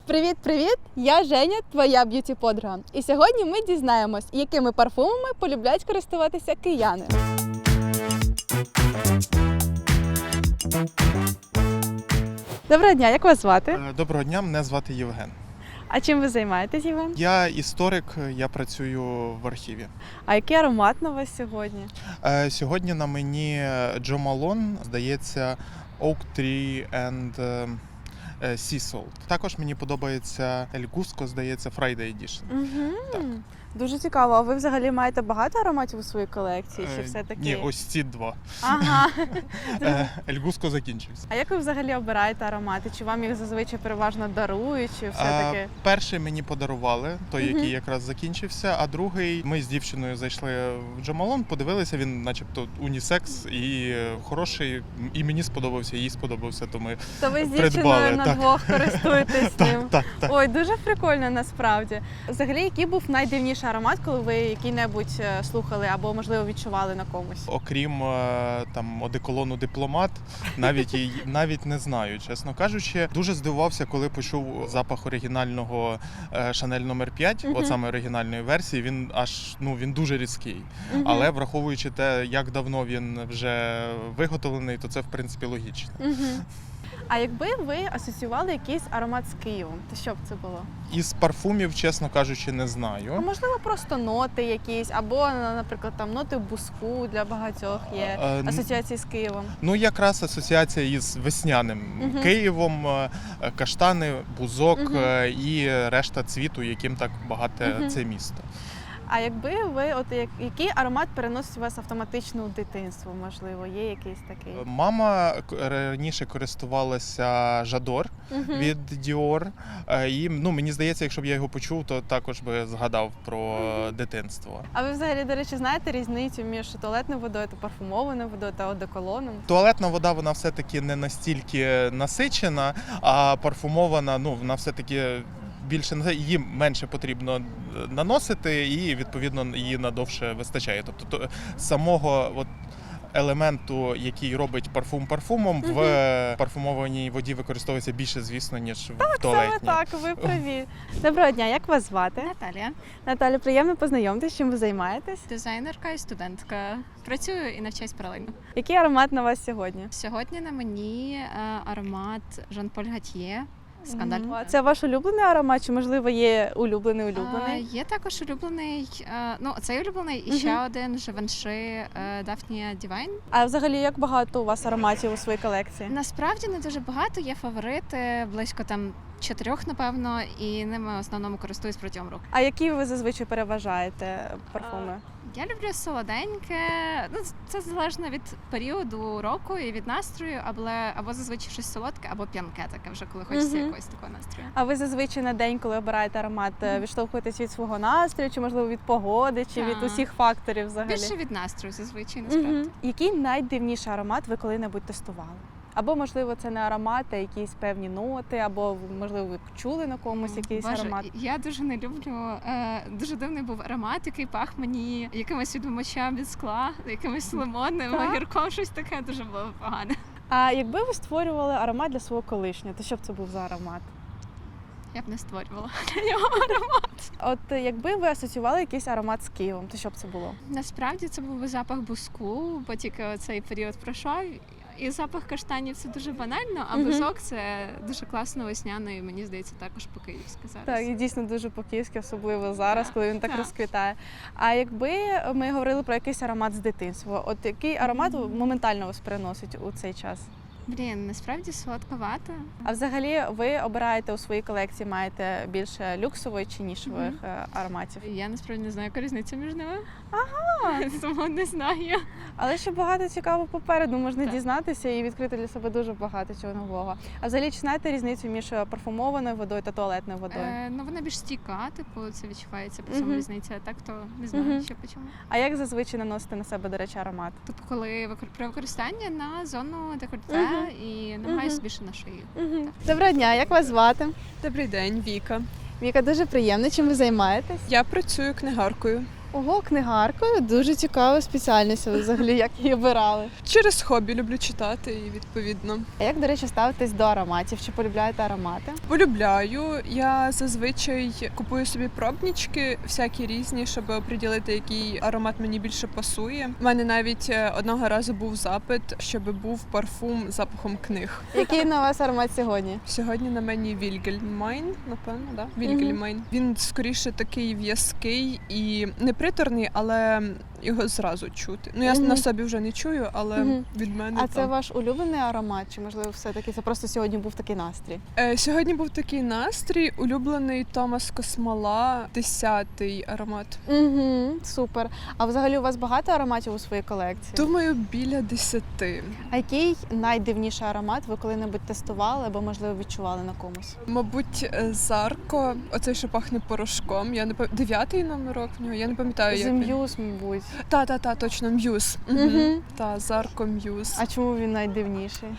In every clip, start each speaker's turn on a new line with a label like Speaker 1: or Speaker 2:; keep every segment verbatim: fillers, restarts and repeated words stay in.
Speaker 1: Привіт-привіт! Я Женя, твоя б'юті-подруга. І сьогодні ми дізнаємось, якими парфумами полюбляють користуватися кияни. Доброго дня, як вас звати?
Speaker 2: Доброго дня, мене звати Євген.
Speaker 1: А чим ви займаєтесь, Євген?
Speaker 2: Я історик, я працюю в архіві.
Speaker 1: А який аромат на вас сьогодні?
Speaker 2: Сьогодні на мені Jo Malone, здається, Oak Tree and Sea Salt. Також мені подобається El Gusco, здається, Friday Edition.
Speaker 1: Угу.
Speaker 2: Так.
Speaker 1: Дуже цікаво. А ви взагалі маєте багато ароматів у своїй колекції? Чи все-таки...
Speaker 2: Ні, ось ці два.
Speaker 1: Ага.
Speaker 2: El Gusco закінчився.
Speaker 1: А як ви взагалі обираєте аромати? Чи вам їх зазвичай переважно дарують, чи все-таки?
Speaker 2: А, перший мені подарували, той,
Speaker 1: Мгм.
Speaker 2: який якраз закінчився, а другий, ми з дівчиною зайшли в Jo Malone, подивилися, він начебто унісекс і хороший, і мені сподобався, і їй сподобався, то ми
Speaker 1: То ви з
Speaker 2: придбали,
Speaker 1: дівчиною на
Speaker 2: так.
Speaker 1: двох користуєтесь ним?
Speaker 2: так, так.
Speaker 1: Ой, дуже прикольно насправді. Взагалі, який був найдивніший аромат, коли ви який-небудь е, слухали або, можливо, відчували на комусь?
Speaker 2: Окрім е, там одеколону дипломат, навіть і навіть не знаю, чесно кажучи. Дуже здивувався, коли почув запах оригінального е, Chanel номер п'ять,
Speaker 1: Мгм.
Speaker 2: от саме оригінальної версії. Він аж ну він дуже різкий.
Speaker 1: Мгм.
Speaker 2: Але враховуючи те, як давно він вже виготовлений, то це в принципі логічно.
Speaker 1: Мгм. А якби ви асоціювали якийсь аромат з Києвом, то що б це було?
Speaker 2: Із парфумів, чесно кажучи, не
Speaker 1: А
Speaker 2: знаю.
Speaker 1: можливо, просто ноти якісь, або, наприклад, там ноти буску для багатьох є
Speaker 2: Е, н-
Speaker 1: асоціації з Києвом.
Speaker 2: Ну, якраз асоціація із весняним
Speaker 1: Мгм.
Speaker 2: Києвом, е, каштани, бузок
Speaker 1: Мгм.
Speaker 2: е, і решта цвіту, яким так багате
Speaker 1: Мгм.
Speaker 2: це місто.
Speaker 1: А якби ви, от як, який аромат переносить вас автоматично у дитинство, можливо, є якийсь такий?
Speaker 2: Мама к- раніше користувалася Жадор
Speaker 1: Мгм.
Speaker 2: від Dior, е, і ну, мені здається, якщо б я його почув, то також би згадав про
Speaker 1: Мгм.
Speaker 2: дитинство.
Speaker 1: А ви взагалі, до речі, знаєте різницю між туалетною водою та парфумованою водою та одеколоном?
Speaker 2: Туалетна вода, вона все-таки не настільки насичена, а парфумована, ну, вона все-таки більше на її менше потрібно наносити, і відповідно її надовше вистачає. Тобто то, самого от елементу, який робить парфум парфумом,
Speaker 1: Мгм.
Speaker 2: в парфумованій воді використовується більше, звісно, ніж в туалетній.
Speaker 1: Саме так, ви праві. Доброго дня, як вас звати?
Speaker 3: Наталія,
Speaker 1: Наталя, приємно познайомитись, чим ви займаєтесь.
Speaker 3: дизайнерка і студентка. Працюю і навчаюсь паралельно.
Speaker 1: Який аромат на вас сьогодні?
Speaker 3: Сьогодні на мені е, аромат Жан-Поль Гатьє. Скандаль.
Speaker 1: Мгм. Це ваш улюблений аромат, чи можливо є улюблений
Speaker 3: Е,
Speaker 1: улюблений?
Speaker 3: Є також улюблений, е, ну цей улюблений і
Speaker 1: Мгм.
Speaker 3: ще один Живанши Дафнія Дівайн.
Speaker 1: А взагалі як багато у вас ароматів у своїй колекції?
Speaker 3: Насправді не дуже багато, є фаворити, близько там чотирьох, напевно, і ними в основному користуюсь протягом року.
Speaker 1: А які ви зазвичай переважаєте парфуми?
Speaker 3: Я люблю солоденьке. Ну, це залежно від періоду року і від настрою, або, або зазвичай щось солодке, або п'янке таке вже, коли хочеться
Speaker 1: Мгм.
Speaker 3: якогось такого настрою.
Speaker 1: А ви зазвичай на день, коли обираєте аромат, е, відштовхуєтесь від свого настрою, чи можливо від погоди, чи від
Speaker 3: Так.
Speaker 1: усіх факторів взагалі?
Speaker 3: Більше від настрою зазвичай, насправді.
Speaker 1: Мгм. Який найдивніший аромат ви коли-небудь тестували? Або, можливо, це не аромат, а якісь певні ноти, або, можливо, ви чули на комусь якийсь
Speaker 3: Боже,
Speaker 1: аромат.
Speaker 3: я дуже не люблю. Е, дуже дивний був аромат, який пах мені якимось відмочам від скла, якимось лимонним,
Speaker 1: Так.
Speaker 3: огірком, щось таке дуже було погане.
Speaker 1: А якби ви створювали аромат для свого колишнього, то що б це був за аромат?
Speaker 3: Я б не створювала для нього аромат.
Speaker 1: От е, якби ви асоціювали якийсь аромат з Києвом, то що б це було?
Speaker 3: Насправді це був би запах буску, бо тільки цей період пройшов. І запах каштанів це дуже банально, а
Speaker 1: Мгм.
Speaker 3: бузок це дуже класно весняно, і мені здається, також по-київськи зараз.
Speaker 1: Так, і дійсно дуже по-київськи, особливо зараз,
Speaker 3: Так,
Speaker 1: коли він так
Speaker 3: так.
Speaker 1: розквітає. А якби ми говорили про якийсь аромат з дитинства, от який аромат моментально вас переносить у цей час?
Speaker 3: Блін, насправді солодковато.
Speaker 1: А взагалі ви обираєте у своїй колекції, маєте більше люксової чи нішових
Speaker 3: Мгм.
Speaker 1: е, ароматів?
Speaker 3: Я насправді не знаю, яка різниця між ними.
Speaker 1: Ага.
Speaker 3: Тому не знаю.
Speaker 1: Але ще багато цікавого попереду можна
Speaker 3: Так.
Speaker 1: дізнатися і відкрити для себе дуже багато чого нового. А взагалі чи знаєте різницю між парфумованою водою та туалетною водою?
Speaker 3: Е, ну вона більш стійка, типу це відчувається по цьому
Speaker 1: Мгм.
Speaker 3: різниця. А так то не знаю,
Speaker 1: Мгм.
Speaker 3: що по чому.
Speaker 1: А як зазвичай наносите на себе, до речі, аромат?
Speaker 3: Тобто, коли викор- при використанні на зону декольте
Speaker 1: Мгм.
Speaker 3: і намагаюся
Speaker 1: Мгм.
Speaker 3: більше на шиї.
Speaker 1: Угу. Доброго дня, як вас звати?
Speaker 4: Добрий день, Віка.
Speaker 1: Віка, дуже приємно. Чим ви займаєтесь?
Speaker 4: Я працюю книгаркою.
Speaker 1: Ого, книгаркою. Дуже цікава спеціальність. Ви взагалі як її обирали?
Speaker 4: Через хобі люблю читати і відповідно.
Speaker 1: А як, до речі, ставитесь до ароматів? Чи полюбляєте аромати?
Speaker 4: Полюбляю. Я зазвичай купую собі пробнички, всякі різні, щоб оприділити, який аромат мені більше пасує. У мене навіть е, одного разу був запит, щоб був парфум з запахом книг.
Speaker 1: Який на вас аромат сьогодні?
Speaker 4: Сьогодні на мені Вільгельмайн, напевно, да? Вільгельмайн. Він скоріше такий в'язкий і не приторний, але його зразу чути. Ну я
Speaker 1: Мгм.
Speaker 4: на собі вже не чую, але
Speaker 1: Мгм.
Speaker 4: від мене
Speaker 1: А це
Speaker 4: там.
Speaker 1: ваш улюблений аромат? Чи можливо все-таки це просто сьогодні був такий настрій?
Speaker 4: Е, Сьогодні був такий настрій, улюблений Томас Космола, десятий аромат.
Speaker 1: Угу, супер. А взагалі у вас багато ароматів у своїй колекції?
Speaker 4: Думаю, біля десяти.
Speaker 1: А який найдивніший аромат ви коли-небудь тестували або, можливо, відчували на комусь?
Speaker 4: Мабуть, е, Зарко, оцей, що пахне порошком. Я не пам... дев'ятий номерок в нього. Я не пам'ятаю, як він.
Speaker 1: Зім'юз, мабуть.
Speaker 4: Та, та, та, точно, М'юз. Угу.
Speaker 1: Мгм.
Speaker 4: Та, Зарко М'юз.
Speaker 1: А чому він найдивніший?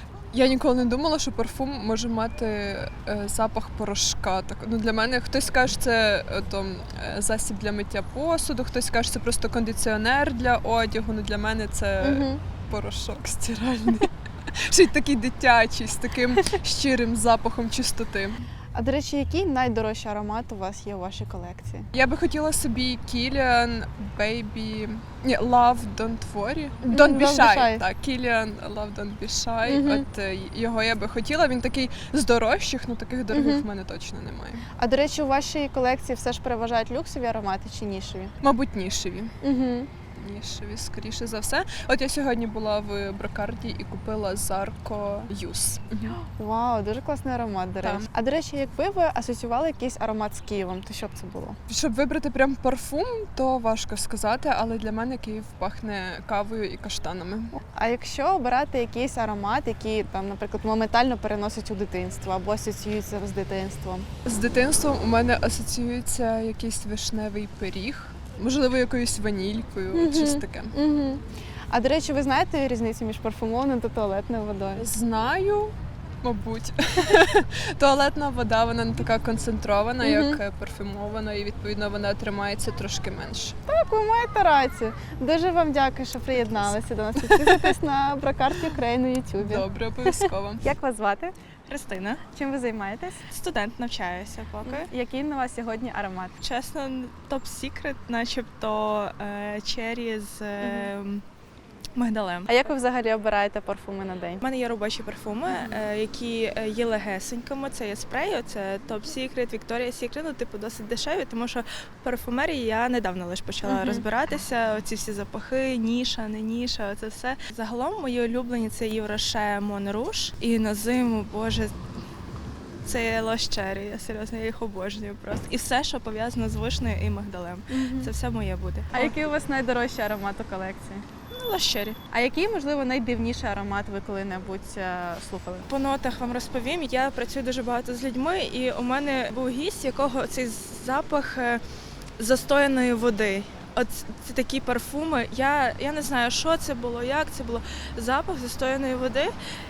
Speaker 4: Я ніколи не думала, що парфум може мати е, запах порошка. Так, ну, для мене хтось каже, це е, то, е, засіб для миття посуду, хтось каже, це просто кондиціонер для одягу. Ну, для мене це
Speaker 1: Угу.
Speaker 4: порошок стиральний. Ще й такий дитячий, з таким щирим запахом чистоти.
Speaker 1: А до речі, який найдорожчий аромат у вас є у вашій колекції?
Speaker 4: Я би хотіла собі Kilian Baby... Ні, Love Don't Worry.
Speaker 1: Мгм,
Speaker 4: Don't Be
Speaker 1: Don't Be
Speaker 4: Shy.
Speaker 1: Shy.
Speaker 4: Так, Kilian Love Don't Be Shy.
Speaker 1: Мгм.
Speaker 4: От е, його я би хотіла. Він такий з дорожчих, ну таких дорогих
Speaker 1: Мгм.
Speaker 4: в мене точно немає.
Speaker 1: А до речі, у вашій колекції все ж переважають люксові аромати чи нішеві?
Speaker 4: Мабуть, нішеві.
Speaker 1: Угу.
Speaker 4: Нішеві, скоріше за все. От я сьогодні була в Брокарді і купила Зарко Юс.
Speaker 1: Вау, дуже класний аромат, до
Speaker 4: Так.
Speaker 1: речі. А до речі, якби ви асоціювали якийсь аромат з Києвом, то що б це було?
Speaker 4: Щоб вибрати прям парфум, то важко сказати, але для мене Київ пахне кавою і каштанами.
Speaker 1: А якщо обирати якийсь аромат, який там, наприклад, моментально переносить у дитинство або асоціюється з дитинством?
Speaker 4: З дитинством у мене асоціюється якийсь вишневий пиріг, можливо, якоюсь ванількою,
Speaker 1: Мгм.
Speaker 4: от щось таке.
Speaker 1: Угу. А до речі, ви знаєте різницю між парфумованою та туалетною водою?
Speaker 4: Знаю, мабуть. Туалетна вода, вона не така концентрована,
Speaker 1: Мгм.
Speaker 4: як е, парфюмована, і відповідно вона тримається трошки менше.
Speaker 1: Так, ви маєте рацію. Дуже вам дякую, що приєдналися до нас. Підписуйтесь на Брокарті Україн на Ютубі.
Speaker 4: Добре, обов'язково.
Speaker 1: Як вас звати?
Speaker 5: Христина,
Speaker 1: Чим ви займаєтесь?
Speaker 5: студент, навчаюся поки.
Speaker 1: Який на вас сьогодні аромат?
Speaker 5: Чесно, топ-сікрет, начебто е, чері з е, мигдалем.
Speaker 1: А як ви взагалі обираєте парфуми на день?
Speaker 5: У мене є робочі парфуми, е, які е, є легесенькими. Це є спреї, це топ-сікрет, Вікторія Сікрет, ну, типу, досить дешеві, тому що в парфумерії я недавно лише почала
Speaker 1: Мгм.
Speaker 5: розбиратися. Оці всі запахи, ніша, не ніша, це все. Загалом мої улюблені це Євроше Mon Rouge. І на зиму, боже, це Лос Черрі, я серйозно, я їх обожнюю просто. І все, що пов'язано з вишнею і мигдалем. Це все моє буде.
Speaker 1: А який у вас найдорожчий аромат у колекції?
Speaker 5: Ну, Лос Черрі.
Speaker 1: А який, можливо, найдивніший аромат ви коли-небудь е, слухали?
Speaker 5: По нотах вам розповім. Я працюю дуже багато з людьми, і у мене був гість, якого цей запах е, застояної води. От це такі парфуми. Я, я не знаю, що це було, як це було. Запах застояної води.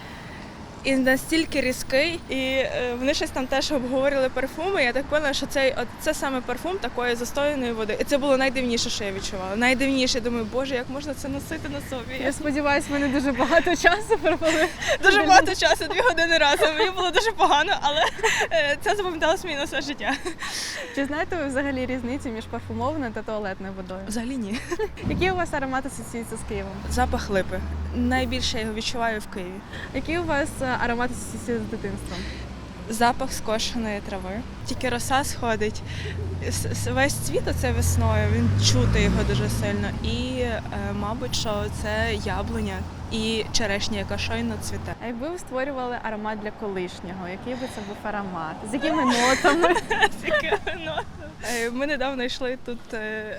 Speaker 5: І настільки різкий, і е, вони щось там теж обговорили парфуми. Я так поняла, що цей от це саме парфум такої застояної води. І це було найдивніше, що я відчувала. Найдивніше. Думаю, боже, як можна це носити на собі?
Speaker 1: Я сподіваюся, ви не дуже багато часу провели.
Speaker 5: Дуже багато часу, дві години разом. Мені було дуже погано, але е, це запам'яталось мені на все життя.
Speaker 1: Чи знаєте ви взагалі різницю між парфумованою та туалетною водою?
Speaker 5: Взагалі ні.
Speaker 1: Який у вас аромат асоціюється з Києвом?
Speaker 5: Запах липи. Найбільше я його відчуваю в Києві.
Speaker 1: Який у вас е, аромат асоціюється з дитинством?
Speaker 5: Запах скошеної трави. Тільки роса сходить. С- с- Весь цвіт оце весною, він чути його дуже сильно. І, е, мабуть, що це яблуня і черешня, яка щойно цвіте.
Speaker 1: А якби ви створювали аромат для колишнього, який би це був аромат? З якими нотами?
Speaker 5: Е, Ми недавно йшли тут е,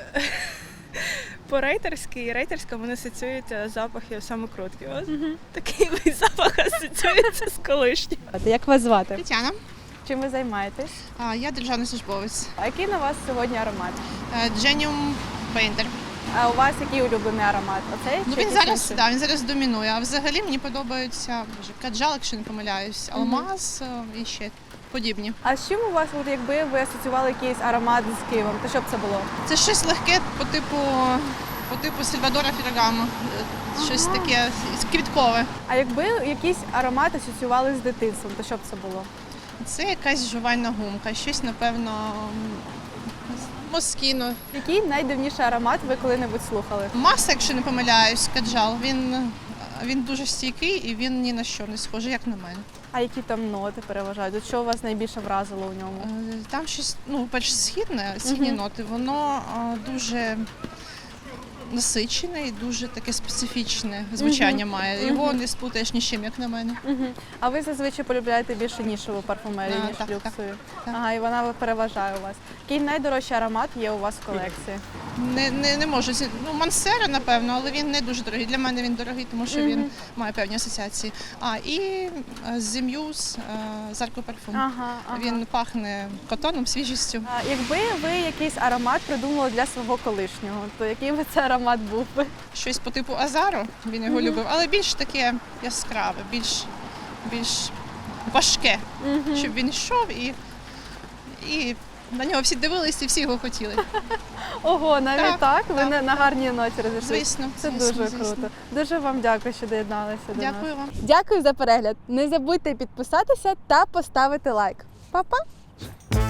Speaker 5: по рейтерській, і рейтерська мене асоціюється запахи самокрутки. Ось такий весь запах асоціюється з колишнім.
Speaker 1: Як вас звати?
Speaker 6: Тетяна,
Speaker 1: Чим ви займаєтесь?
Speaker 6: а, я державний службовець.
Speaker 1: А який на вас сьогодні аромат?
Speaker 6: Genium Painter.
Speaker 1: А у вас який улюблений аромат? Оцей?
Speaker 6: Ну,
Speaker 1: чи
Speaker 6: він
Speaker 1: якийсь
Speaker 6: зараз,
Speaker 1: інший?
Speaker 6: да, він зараз домінує. А взагалі мені подобаються боже, каджал, якщо не помиляюсь, алмаз е, і ще подібні.
Speaker 1: А з чим у вас, от якби ви асоціювали якийсь аромат з Києвом, то що б це було?
Speaker 6: Це щось легке по типу, по типу Сальвадора Феррагамо. Щось
Speaker 1: Ага.
Speaker 6: таке квіткове.
Speaker 1: А якби якийсь аромат асоціювали з дитинством, то що б це було?
Speaker 6: Це якась жувальна гумка, щось, напевно, москіно.
Speaker 1: Який найдивніший аромат ви коли-небудь слухали?
Speaker 6: Маса, якщо не помиляюсь, каджал. Він, він дуже стійкий і він ні на що не схожий, як на мене.
Speaker 1: А які там ноти переважають? От що вас найбільше вразило у ньому?
Speaker 6: Е, Там щось, ну, перш східне, східні
Speaker 1: Мгм.
Speaker 6: ноти, воно а, дуже насичене і дуже таке специфічне звучання має. Його
Speaker 1: Мгм.
Speaker 6: не сплутаєш ні з чим, як на мене.
Speaker 1: Угу. А ви зазвичай полюбляєте більше нішеву парфумерію,
Speaker 6: А,
Speaker 1: ніж
Speaker 6: так, так,
Speaker 1: люксову?
Speaker 6: так.
Speaker 1: Ага, і вона переважає у вас. Який найдорожчий аромат є у вас в колекції?
Speaker 6: Не, не, не можу. зі- Ну, Мансера, напевно, але він не дуже дорогий. Для мене він дорогий, тому що він
Speaker 1: Мгм.
Speaker 6: має певні асоціації. А, і Зім'юз, Зарко парфум.
Speaker 1: Ага, ага.
Speaker 6: Він пахне котоном, свіжістю.
Speaker 1: А якби ви якийсь аромат придумали для свого колишнього, то який би це аромат був би?
Speaker 6: Щось по типу Азару, він його
Speaker 1: Мгм.
Speaker 6: любив, але більш таке яскраве, більш, більш важке,
Speaker 1: Мгм.
Speaker 6: щоб він йшов і, і на нього всі дивилися і всі його хотіли.
Speaker 1: Ого, навіть так?
Speaker 6: Так,
Speaker 1: Ви
Speaker 6: так.
Speaker 1: на, на гарній ноті розійшлися.
Speaker 6: Звісно,
Speaker 1: Це
Speaker 6: звісно,
Speaker 1: дуже
Speaker 6: звісно.
Speaker 1: круто. Дуже вам дякую, що доєдналися до нас.
Speaker 6: Дякую вам.
Speaker 1: Дякую за перегляд. Не забудьте підписатися та поставити лайк. Па-па!